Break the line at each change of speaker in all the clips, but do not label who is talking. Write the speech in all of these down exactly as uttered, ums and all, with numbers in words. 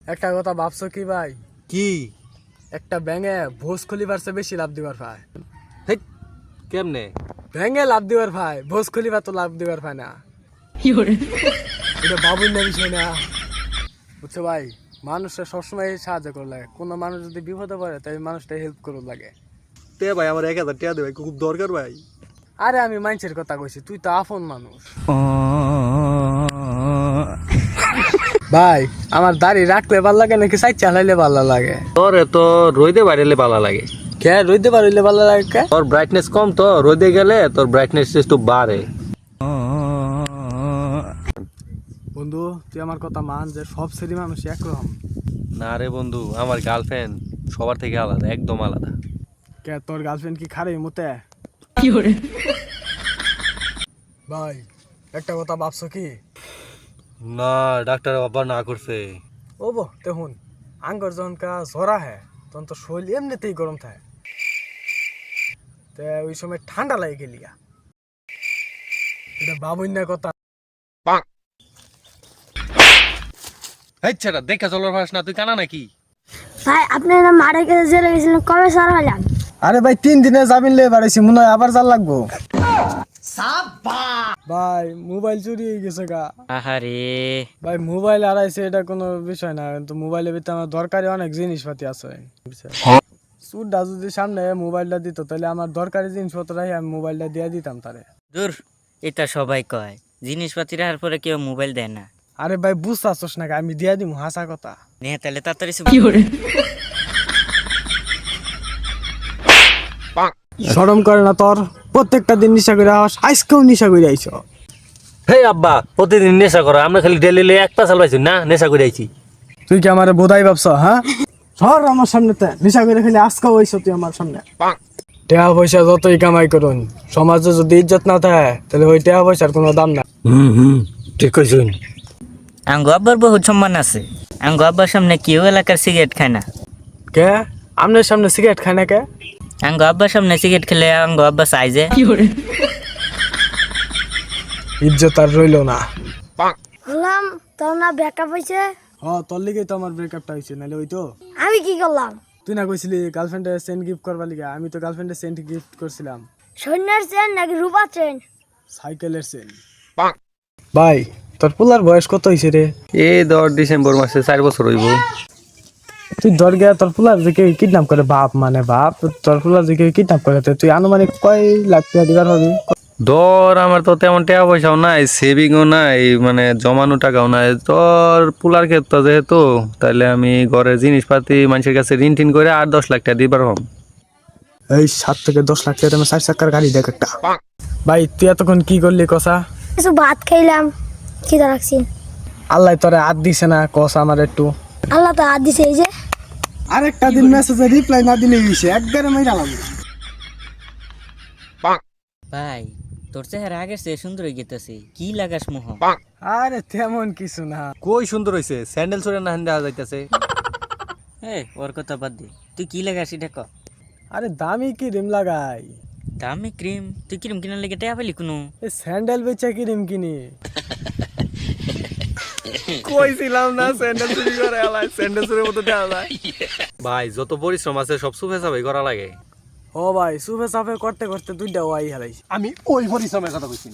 একটা কথা ভাবছো কি ভাই?
কি?
একটা ব্যাঙে ভোজ খুলিবার চেয়ে বেশি লাভ দিবার ভাই।
হেই, কেমনে?
ব্যাঙে লাভ দিবার ভাই, ভোজ খুলিবার তো লাভ দিবার ভাই না। এটা বাবুর না বিষয় না, বুঝছো ভাই? মানুষের সবসময় সাহায্য করে লাগে, কোনো মানুষ যদি বিপদে পড়ে তাই মানুষটা হেল্প করুন লাগে।
তে ভাই আমার এক হাজার টাকা দে ভাই, খুব দরকার ভাই।
আরে আমি মানুষের কথা কইছি, তুই তো আপন মানুষ। ভাই আমার দাড়ি রাখলে ভালো লাগে নাকি সাইড চালাইলে ভালো লাগে?
তোর তো রোদে বাইরেলে ভালো লাগে।
কে রইতে পারলে ভালো লাগে কে?
তোর ব্রাইটনেস কম, তো রোদে গেলে তোর ব্রাইটনেস একটু বাড়ে।
বন্ধু তুই আমার কথা মান যে সব শ্রেণী মানুষ একরকম।
না রে বন্ধু, আমার গার্লফ্রেন্ড সবার থেকে আলাদা, একদম আলাদা।
কে তোর গার্লফ্রেন্ড কি খারে মতে? ভাই একটা কথা ভাবছো কি?
না, ডাক্তার বাবা না করছে।
ও বো দেখুন, আঙ্গর যখন কা জ্বরা হ্যাঁ তখন তো শরীর এমনিতেই গরম থাকে, তে ওই সময় ঠান্ডা লাগে গেলিয়া। এটা বাবুই না কথা।
এই ছেড়া, দেখা চলার ভাস না, তুই কানা নাকি?
ভাই আপনি না মারা গেছে জেলে গেছিলেন, কবে সার হলাম?
আরে ভাই তিন দিনে জামিন লে বাড়াইছি, মনে হয় আবার জাল লাগবো। ভাই মোবাইল চুরি হয়ে গেছে গা।
আহারে
ভাই মোবাইল হারাইছে এটা কোনো বিষয় না, কিন্তু মোবাইলের ভিতরে আমার দরকারি অনেক জিনিসপাতি আছে। সুরটা যদি সামনে মোবাইলটা দিত তাহলে আমার দরকারি জিনিসপত্র রাখি আমি মোবাইলটা দিয়ে দিতাম তারে।
দূর, এটা সবাই কয়, জিনিসপাতি রাখার পরে কেউ মোবাইল দেয় না।
আরে ভাই বুঝতেছস না, আমি দিয়ে দিব হাসা কথা।
নে তাহলে তাড়াতাড়ি
শরম করে না তোর? প্রত্যেকটা দিন নিশা করে আস, আজকেও নিশা করে আইছ।
হে আব্বা, প্রতিদিন নেশা করো, আমরা খালি ডেলি এক পাশাল পাইছি না, নেশা করে আইছি।
তুই কি আমার বোধাই ভাবছ? হ্যাঁ সর আমার সামনে, নিশা করে খালি আজকেও আইছ তুই আমার সামনে। টাকা পয়সা যতই কামাই করুন, সমাজে যদি ইজ্জত না থাকে তাহলে ওই টাকা পয়সার কোনো দাম না।
হুম হুম ঠিক কইছুন।
আঙ্গু আব্বার বহুত সম্মান আছে। আঙ্গু আব্বার সামনে কেউ এলাকার সিগারেট খায় না।
কে আমনের সামনে সিগারেট খায় না কে?
আঙ্গু আব্বার সামনে সিগারেট খেলে আঙ্গু আব্বা চাই যে
ইজ্জত আর রইল না।
বললাম তোর না ব্যাকআপ হয়েছে।
হ তোর লিগেই তো আমার ব্রেকআপটা হয়েছে, নাহলে ওই তো।
আমি কি করলাম?
তুই না কইছিলি গার্লফ্রেন্ডে সেন্ট গিফট করবার লিগে, আমি তো গার্লফ্রেন্ডে সেন্ট গিফট করছিলাম।
সৈন্যের চেন নাকি রূপা চেন?
সাইকেলের সেন। ভাই তোর পোলার বয়স কত হয়েছে রে?
এই দশ ডিসেম্বর মাসে চার বছর হইব।
তুই ধর গিয়া তোর পোলার যে কেউ কিডন্যাপ করে, বাপ মানে বাপ, তোর পোলার যে কেউ কিডন্যাপ করে তুই আনুমানিক কয় লাখ টাকা দিবার হবি?
ধর আমার তো তেমন টাকা পয়সাও নাই, সেভিংও নাই, মানে জমানো টাকাও নাই। তোর পুলার ক্ষেত্রে যেহেতু, তাহলে আমি ঘরের জিনিসপাতি মানুষের কাছে ঋণ টিন করে আট দশ লাখ টাকা দিবার হম।
এই সাত থেকে দশ লাখ টাকা চার চাকার গাড়ি দেখ একটা। ভাই তুই এতক্ষণ কি করলি কষা?
কিছু ভাত খাইলাম, খিদা রাখছি।
আল্লাহ তোরে হাত দিছে না কষা আমার একটু?
আল্লাহ তো হাত দিছে এই যে।
আরেকটা দিন মেসেজে রিপ্লাই না দিলে হইছে, একবারে মাইরা লাগবে।
ভাই তোর চেহারা আগের চেয়ে সুন্দর হয়ে গেতেছে, কি লাগাস মোহ?
আরে তেমন কিছু না।
কই সুন্দর হইছে, স্যান্ডেল চরে না দেওয়া যাইতেছে।
এ ওর কথা বাদ দে, তুই কি লাগাস এটা ক।
আরে দামি কি রিম লাগাই?
দামি ক্রিম? তুই ক্রিম কিনার লেগে টাকা পেলি কোনো?
এই স্যান্ডেল বেচা কি রিম কিনি? কইছিলাম না স্যান্ডেল চুরি করে আলাই, স্যান্ডেল চুরির মতো দেওয়া যায়।
ভাই যত পরিশ্রম আছে সব সুফে সাফাই করা লাগে।
ও ভাই সুফে সাফে করতে করতে দুইটা ওয়াই হারাইছি।
আমি ওই পরিশ্রমের কথা কইছি না।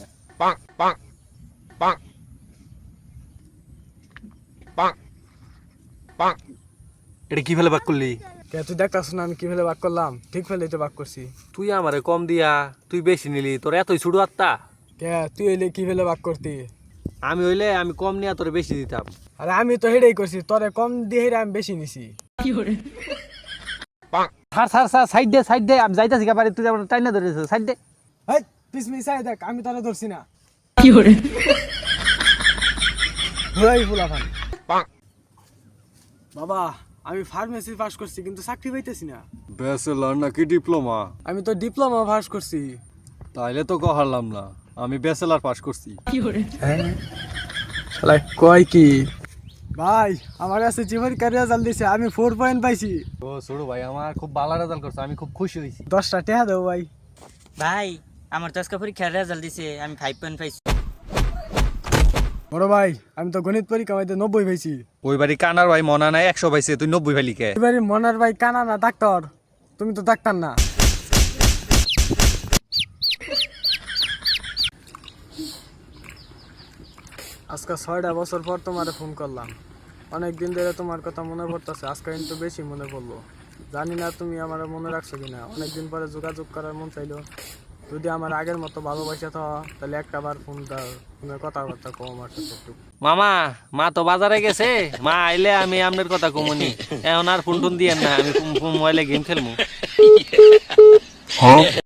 এটা কি ফেলে বাক করলি?
কে তুই দেখতাছ না আমি কি ফেলে বাক করলাম? ঠিক ফেলেই তো বাক করছি।
তুই আমারে কম দিয়া তুই বেশি নিলি, তোর এতই ছুটু আত্মা।
কে তুই হইলে কি ফেলে বাক করতি?
আমি হইলে আমি কম নিয়া তোরে বেশি দিতাম।
আরে আমি তো হেডেই করছি, তোরে কম দিয়ে হেরে আমি বেশি নিছি।
স্যার স্যার স্যার সাইড দে সাইড দে, আমি যাইতাছি কাবারে, তুই আমার টাইনা ধরেছিস, সাইড দে।
এই পিছমি সাই দেখ, আমি তোরে ধরছি না। ঘুরাই ফুলাফান। বাবা আমি ফার্মেসি পাস করছি কিন্তু চাকরি পাইতেছি না।
ব্যাচেলর নাকি ডিপ্লোমা?
আমি তো ডিপ্লোমা পাস করছি।
তাইলে তো কহারলাম না, আমি ব্যাচেলর পাস করছি।
শালা কয় কি? ভাই আমার কাছে জীবন ক্যারিয়ার রেজাল্ট দিছে, আমি ফোর পয়েন্ট পাইছি।
ও ছোট ভাই, আমার খুব ভালো রেজাল্ট করছে, আমি খুব খুশি হয়েছি।
দশটা টাকা দেবো ভাই।
ভাই আমার তো আজকে পরীক্ষার রেজাল্ট দিছে, আমি ফাইভ পয়েন্ট পাইছি।
বড় ভাই আমি তো গণিত পরীক্ষা হইতে নব্বই পাইছি।
ওই বাড়ি কানার ভাই মনা নাই একশো পাইছে তুই নব্বই ফেলি কে?
এবারে মনার ভাই কানা না ডাক্তার, তুমি তো ডাক্তার না। আজকে ছয়টা বছর পর তোমারে ফোন করলাম, অনেক দিন ধরে তোমার কথা মনে পড়তেছে, আজকে কিন্তু বেশি মনে পড়লো। জানি না তুমি আমার মনে রাখছো কিনা, অনেকদিন পরে যোগাযোগ করার মন চাইলো। যদি আমার আগের মতো ভালোবাসা থাও তাহলে একটা বার ফোন দাও, ফোনে কথাবার্তা কও আমার সাথে একটু।
মামা মা তো বাজারে গেছে, মা আইলে আমি আপনার কথা কমুনি, এখন আর ফোন টোন দিয়েন না, আমি মোবাইলে গেম খেলবো।